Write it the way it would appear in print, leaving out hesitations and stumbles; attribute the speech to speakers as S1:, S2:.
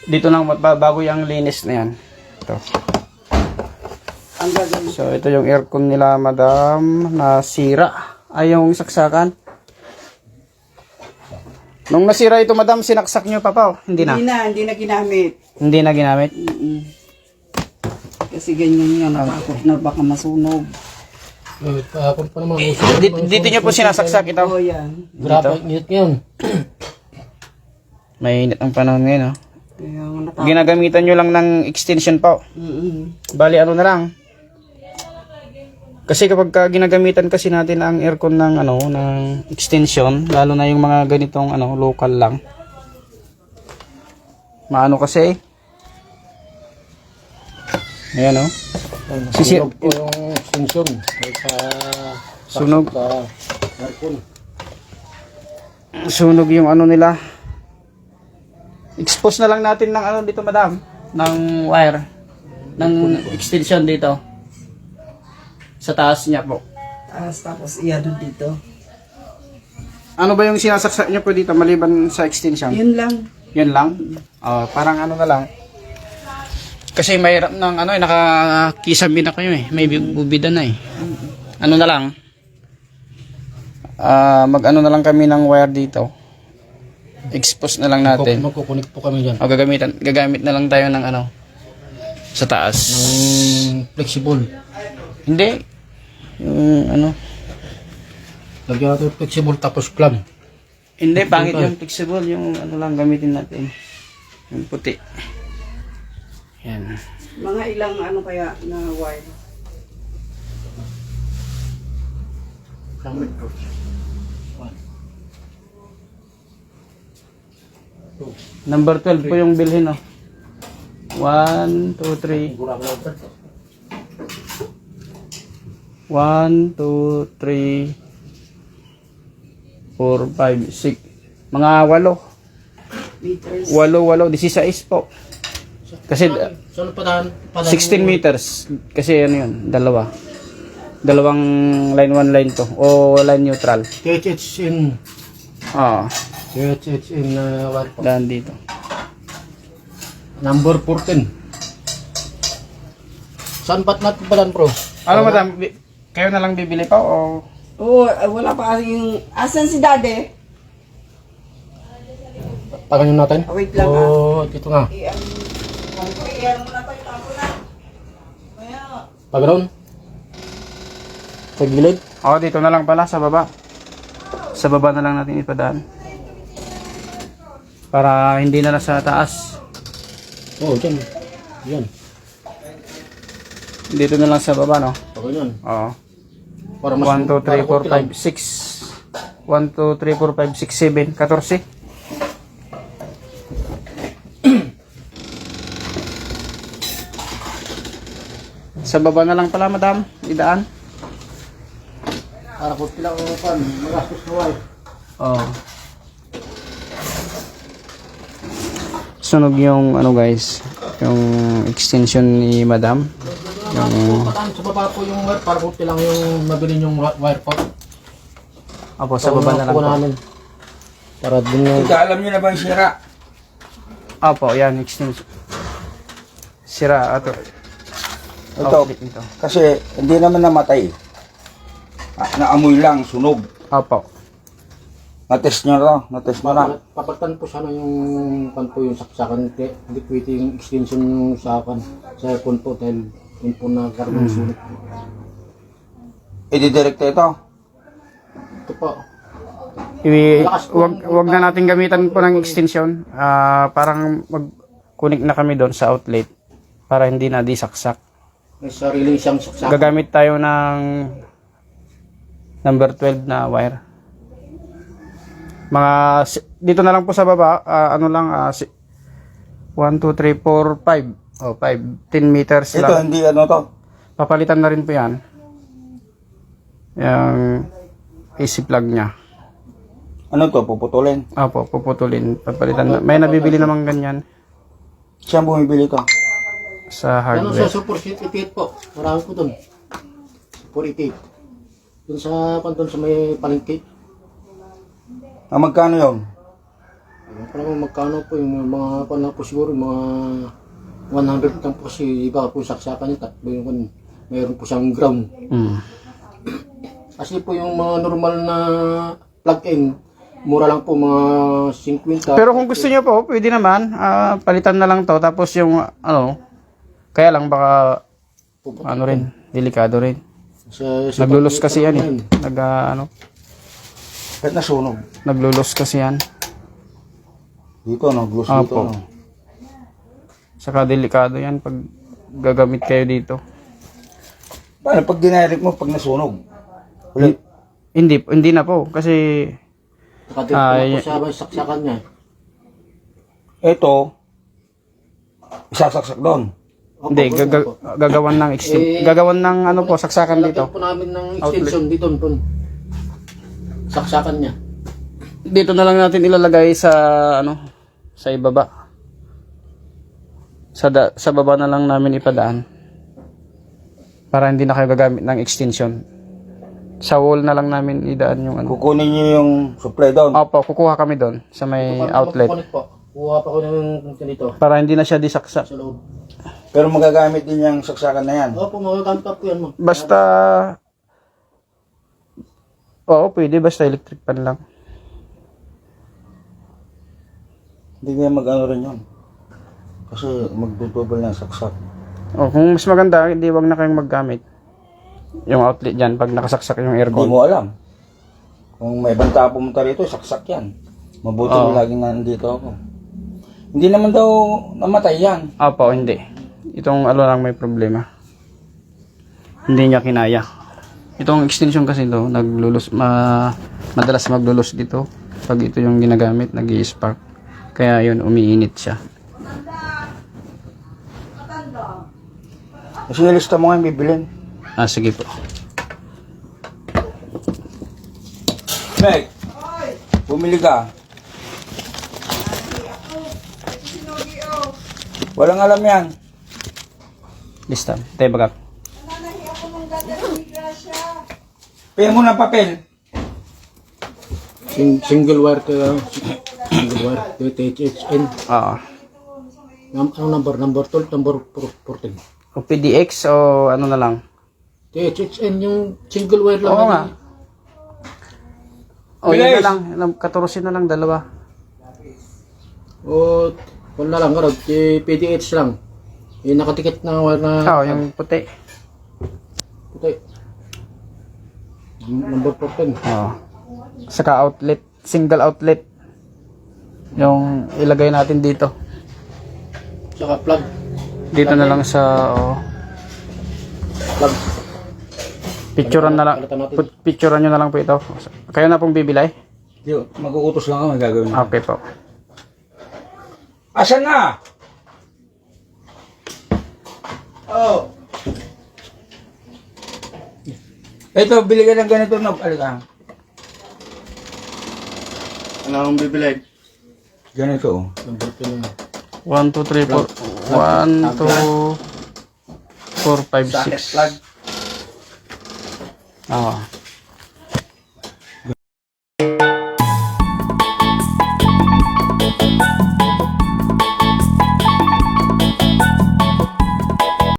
S1: Dito lang bago yung linis na yan. Ito. So, ito yung aircon nila, madam, na sira. Ay, yung saksakan. Nung nasira ito, madam, sinaksak nyo pa pa? Hindi na?
S2: Hindi na ginamit.
S1: Hindi na ginamit?
S2: Kasi ganyan nga, natakot na baka masunog.
S1: Dito nyo po sinasaksak ito?
S2: Oo, yan.
S3: Grabe, init ngayon.
S1: May init ang panahon ngayon, oh.
S2: Kaya nga natakot.
S1: Ginagamitan nyo lang ng extension pa. Bali, ano na lang. Kasi kapag ginagamitan kasi natin ang aircon ng ng extension, lalo na yung mga ganitong local lang. Maano kasi. Ayan, oh.
S3: Sunog po yung extension.
S1: Sunog.
S3: Sa aircon.
S1: Sunog yung nila. Expose na lang natin ng dito, madam, ng wire ng extension dito. Sa taas niya po.
S2: Tapos iyan dito.
S1: Ano ba yung sinasaksak niyo po dito maliban sa extension?
S2: Yun lang.
S1: Yun lang? Parang na lang. Kasi mahirap ng nakakisami na kayo eh. May bubida na eh. Ano na lang? Mag-ano na lang kami ng wire dito. Expose na lang natin.
S3: Magkukunik po kami dyan.
S1: Gagamit na lang tayo ng sa taas.
S3: Flexible.
S1: Hindi. Yung
S3: Lagyan natin flexible tapos club.
S1: Hindi, pangit yung flexible. Yung lang gamitin natin. Yung puti. Yan.
S2: Mga ilang kaya na wire.
S1: Number 12 po yung bilhin, 1, 2, 3. 1, 2, 3, 4, 5, 6. Mga 8. 8, 16 po. Kasi 16 meters. Kasi dalawang line 1 line 2 o line neutral.
S3: THH in THH in wire po.
S1: Daan dito.
S3: Number 14. Saan ba't natin palan, bro?
S1: Madam, kayo na lang bibili pa o?
S2: Oo, wala pa yung... Asan si daddy?
S3: Paganyan natin?
S2: Wait lang
S3: dito nga.
S2: Iyan mo na pa yung tapo na. Kaya...
S3: Paganoon? Sa gilid?
S1: Dito na lang pala, sa baba. Sa baba na lang natin ipadaan. Para hindi na sa taas.
S3: Dyan. Yan.
S1: Dito na lang sa baba, no?
S3: Paganyan.
S1: Oo.
S3: Para mas
S1: 1, 2, 3, 4, 5, 6. 1, 2, 3, 4, 5, 6, 7, 14. Sa baba na lang pala, madam. Idaan.
S3: Para kung pilang magastos na wire.
S1: Oo. Sunog yung guys, yung extension ni madam.
S3: Pataan sa baba po yung wire para kung pilang yung mabili yung wire po.
S1: Sa baba na lang po.
S3: Namin. Para dun yung...
S4: Alam niyo na ba yung sira?
S1: Yan, extension. Sira,
S4: Ito, kasi hindi naman namatay. Naamoy lang, sunog. Na-test nyo na.
S3: Papalitan po sana yung yung saksakan. Hindi pwede yung extension yung sakan sa aircon po dahil yun po nagkaroon ng sunog.
S4: I-direct ito.
S3: Ito po.
S1: Wag na natin gamitan po ng extension. Parang mag-connect na kami doon sa outlet para hindi na disaksak.
S3: May sarili siyang saksakan.
S1: Gagamit tayo ng number 12 na wire. Dito na lang po sa baba, 1, 2, 3, 4, 5. 10 meters
S4: Ito,
S1: lang.
S4: hindi to.
S1: Papalitan na rin po yan. Yung AC plug niya.
S4: Ano to, puputulin?
S1: Puputulin. Papalitan na. May nabibili namang ganyan
S4: Siyang bumibili to.
S1: sa
S3: Ano
S1: hardware.
S3: sa Super 88 po? Marami po doon. Super 88. Doon sa may palengke.
S4: Magkano yun?
S3: Parang magkano po yung mga ano po siguro, mga 100 lang po kasi iba po saksakan niya, tatlo yung mayroon po siyang ground. Kasi po yung mga normal na plug-in, mura lang po mga 50.
S1: Pero kung gusto niyo po, pwede naman. Palitan na lang to. Tapos yung ano, kaya lang baka ano rin, delikado rin. Naglulos kasi yan eh.
S4: Kahit nasunog.
S1: Naglulos kasi yan.
S4: Dito, no? Glus dito,
S1: Opo.
S4: no?
S1: Saka delikado yan pag gagamit kayo dito.
S4: Paano pag dinirect mo, pag nasunog? Ulit.
S1: Hindi na po. Kasi
S3: Nakadip po sa saksakan niya.
S4: Ito, isasaksak doon.
S3: Opo,
S1: hindi,
S3: opo.
S1: gagawan ng gagawan ng ano po, saksakan
S3: Lagyan
S1: dito.
S3: po namin ng extension dito po. Saksakan niya.
S1: Dito na lang natin ilalagay sa ano, sa ibaba. Sa baba na lang namin ipadaan. Para hindi na kayo gagamit ng extension. Sa wall na lang namin idaan yung ano.
S4: Kukunin niyo yung supply doon.
S1: Opo, kukuha kami doon sa may outlet.
S3: Kuha pa ko ng dito
S1: Para hindi na siya disaksak.
S3: sa loob.
S4: Pero magagamit din yung saksakan na yan.
S3: Opo, magagamit pa po yan mo.
S1: Basta oo, pwede basta electric pan lang.
S4: Hindi kaya mag-ano rin yun. Kasi magdudubol na saksak.
S1: O kung mas maganda, hindi wag na kayong maggamit. Yung outlet diyan pag nakasaksak yung
S4: Hindi
S1: aircon.
S4: mo alam. Kung may banta pumunta rito, saksak yan. Mabuti
S1: Oo.
S4: laging nandito ako. Hindi naman daw namatay yan.
S1: Opo, hindi. Itong ano lang may problema. Hindi niya kinaya. Itong extension kasi to, madalas maglulos dito. Pag ito yung ginagamit, nag-i-spark. Kaya yun, umiinit siya.
S4: Kasi lista mo nga yung bibilin.
S1: Sige po.
S4: Meg, bumili ka. Walang alam yan.
S1: Lista. Tayo bagak.
S4: Paya mo ng papel.
S3: Single wire single wire THN.
S1: Oo.
S3: Ano number? Number 12, number 14.
S1: O PDX o ano na lang.
S3: THN yung single wire lang.
S1: Oo nga. O yun
S4: Bilis!
S1: na lang. Katurusin na lang dalawa.
S3: O, kung na lang, karag, PDH lang. Yung nakatikit na wire na
S1: Oo, yung puti.
S3: puti. Number 14.
S1: Oo. Saka outlet. Single outlet. Yung ilagay natin dito.
S3: Saka plug.
S1: Dito na lang sa
S3: Plug.
S1: picturean na lang. Picturean nyo na lang po ito. Kayo na pong bibilay?
S4: Di, mag-uutos lang ako, may gagawin.
S1: Okay po.
S4: Asan na?
S3: Oh.
S4: Ito, bili ka ng ganito na. Alika.
S3: Ano ang bibili?
S4: Ganito. Oh.
S3: Number 10.
S1: 1, 2, 3, 4. 1, 2, 4, 5, 6.
S4: Plug.
S1: Oo.